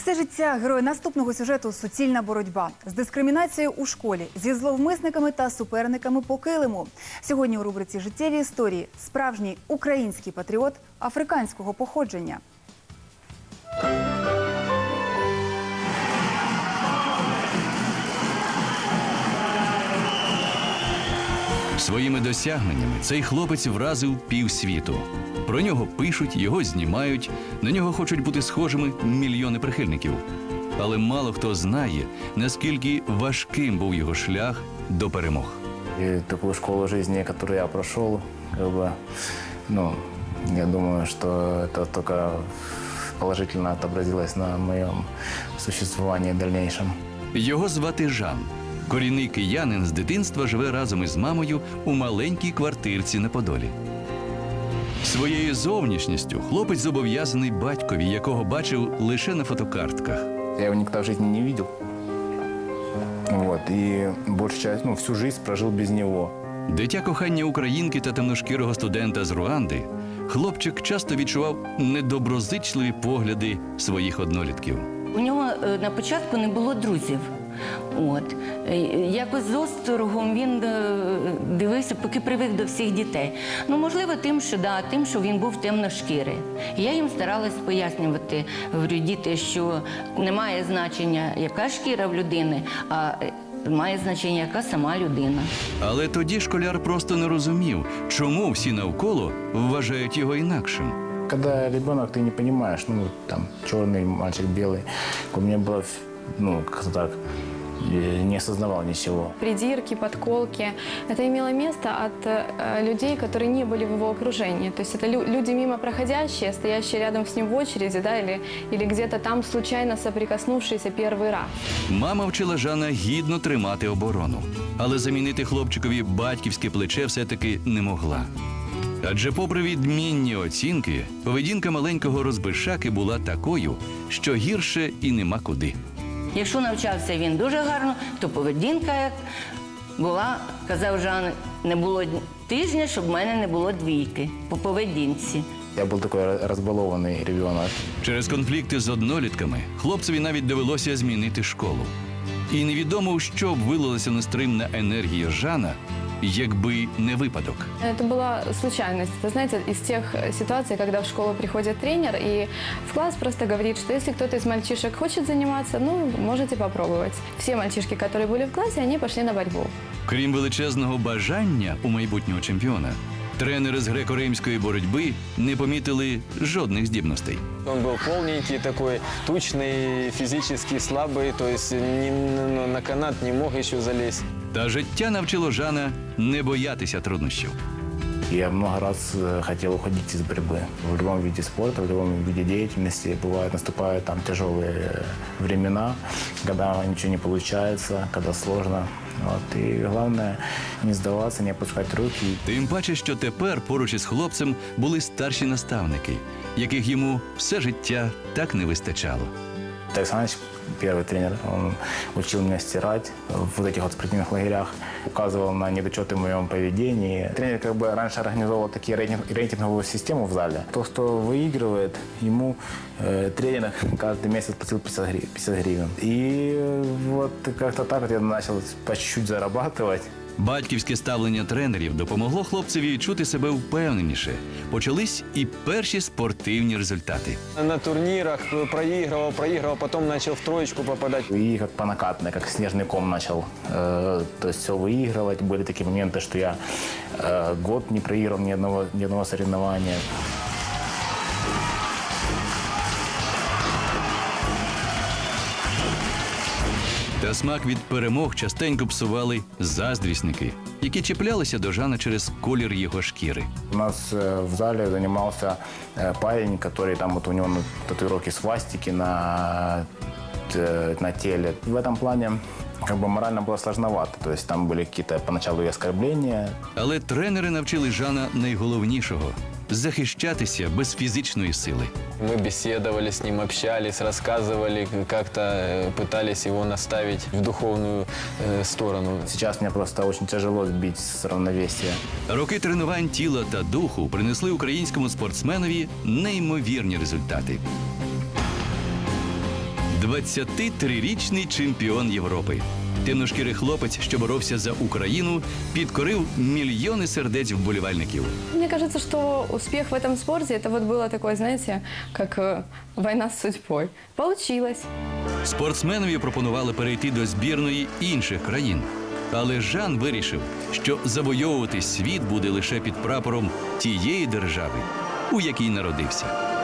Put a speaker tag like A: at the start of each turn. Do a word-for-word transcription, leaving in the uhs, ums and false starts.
A: Все життя герої наступного сюжету – суцільна боротьба з дискримінацією у школі, зі зловмисниками та суперниками по килиму. Сьогодні у рубриці «Життєві історії» справжній український патріот африканського походження.
B: Своїми досягненнями цей хлопець вразив півсвіту. Про нього пишуть, його знімають, на нього хочуть бути схожими мільйони прихильників. Але мало хто знає, наскільки важким був його шлях до перемог.
C: И такую школу жизни, которую я прошел, как бы, ну, я думаю, что это только положительно отобразилось на моем существовании дальнейшем.
B: Його звати Жан. Корінний киянин з дитинства живе разом із мамою у маленькій квартирці на Подолі. Своєю зовнішністю хлопець зобов'язаний батькові, якого бачив лише на фотокартках.
C: Я его никогда в жизни не видел. Вот, и большую часть, ну, всю жизнь прожил без него.
B: Дитя кохання українки та темношкірого студента з Руанди, хлопчик часто відчував недоброзичливі погляди своїх однолітків.
D: У нього е, на початку не було друзів. От. Е, Якось з осторогом він е, дивився, поки привик до всіх дітей. Ну, можливо, тим, що, да, тим, що він був темношкірий. І я їм старалась пояснювати, говорю, діти, що немає значення, яка шкіра в людини, а е, має значення, яка сама людина.
B: Але тоді школяр просто не розумів, чому всі навколо вважають його інакшим.
C: Когда ребенок, ты не понимаешь, ну, там, черный мальчик, белый, у меня было, ну, как-то так, я не осознавал ничего.
E: Придирки, подколки. Это имело место от э, людей, которые не были в его окружении. То есть это лю люди мимо проходящие, стоящие рядом с ним в очереди, да, или, или где-то там случайно соприкоснувшиеся первый раз.
B: Мама вчила Жана гідно тримати оборону. Але замінити хлопчикові батьківське плече все-таки не могла. Адже попри відмінні оцінки, поведінка маленького розбишаки була такою, що гірше і нема куди.
D: Якщо навчався він дуже гарно, то поведінка як була, казав Жан, не було тижня, щоб в мене не було двійки по поведінці.
C: Я был такой разбалованный ребенок.
B: Через конфлікти з однолітками хлопцеві навіть довелося змінити школу. І невідомо, у що б вилилася нестримна енергія Жана, якби не випадок.
E: Это была случайность. Вы знаете, из тех ситуаций, когда в школу приходит тренер и в класс просто говорит, что если кто-то из мальчишек хочет заниматься, ну, можете попробовать. Все мальчишки, которые были в классе, они пошли на борьбу.
B: Крім величезного бажання у майбутнього чемпіона, тренери з греко-римської боротьби не помітили жодних здібностей.
F: Он был полненький такой, тучный, физически слабый, то есть ни, ну, на канат не мог еще залезть.
B: Та життя навчило Жана не боятися труднощів.
C: Я много раз э, хотел уходить из борьбы. В любом виде спорта, в любом виде деятельности бывает, наступают там тяжелые э, времена, когда ничего не получается, когда сложно. Вот. И главное не сдаваться, не опускать руки.
B: Тим паче, що тепер поруч із хлопцем були старші наставники, яких йому все життя так не вистачало.
C: Тарас Александрович, первый тренер, он учил меня стирать в вот этих вот спортивных лагерях, указывал на недочеты в моем поведении. Тренер как бы раньше организовал такие рейтинг, рейтинговую систему в зале. То, кто выигрывает, ему э, тренер каждый месяц платил пятьдесят гривен. И э, вот как-то так вот я начал по чуть-чуть зарабатывать.
B: Батьківське ставлення тренерів допомогло хлопцеві відчути себе впевненіше. Почались і перші спортивні результати.
F: На турнирах проигрывал, проигрывал, потом начал в троечку попадать.
C: И как по накатанной, как снежный ком начал, э, то есть все выигрывать. Были такие моменты, что я э, год не проиграл ни одного, ни одного соревнования.
B: Та смак від перемог частенько псували заздрісники, які чіплялися до Жана через колір його шкіри.
C: У нас э, в зале занимался э, парень, который там вот у него ну, татуировки свастики на, э, на теле. В этом плане как бы морально было сложновато. То есть там были какие-то поначалу и оскорбления.
B: Але тренери навчили Жана найголовнішого – захищатися без фізичної сили.
F: Мы беседовали с ним, общались, рассказывали, как-то э, пытались его наставить в духовную э, сторону.
C: Сейчас мне просто очень тяжело сбить с равновесия.
B: Роки тренувань тіла та духу принесли українському спортсменові неймовірні результати. двадцятитрирічний чемпіон Європи. Темношкірий хлопець, що боровся за Україну, підкорив мільйони сердець вболівальників.
E: Мне кажется, что успех в этом спорте, это вот было такое, знаете, как э, война с судьбой. Получилось.
B: Спортсменові пропонували перейти до збірної інших країн. Але Жан вирішив, що завойовувати світ буде лише під прапором тієї держави, у якій народився.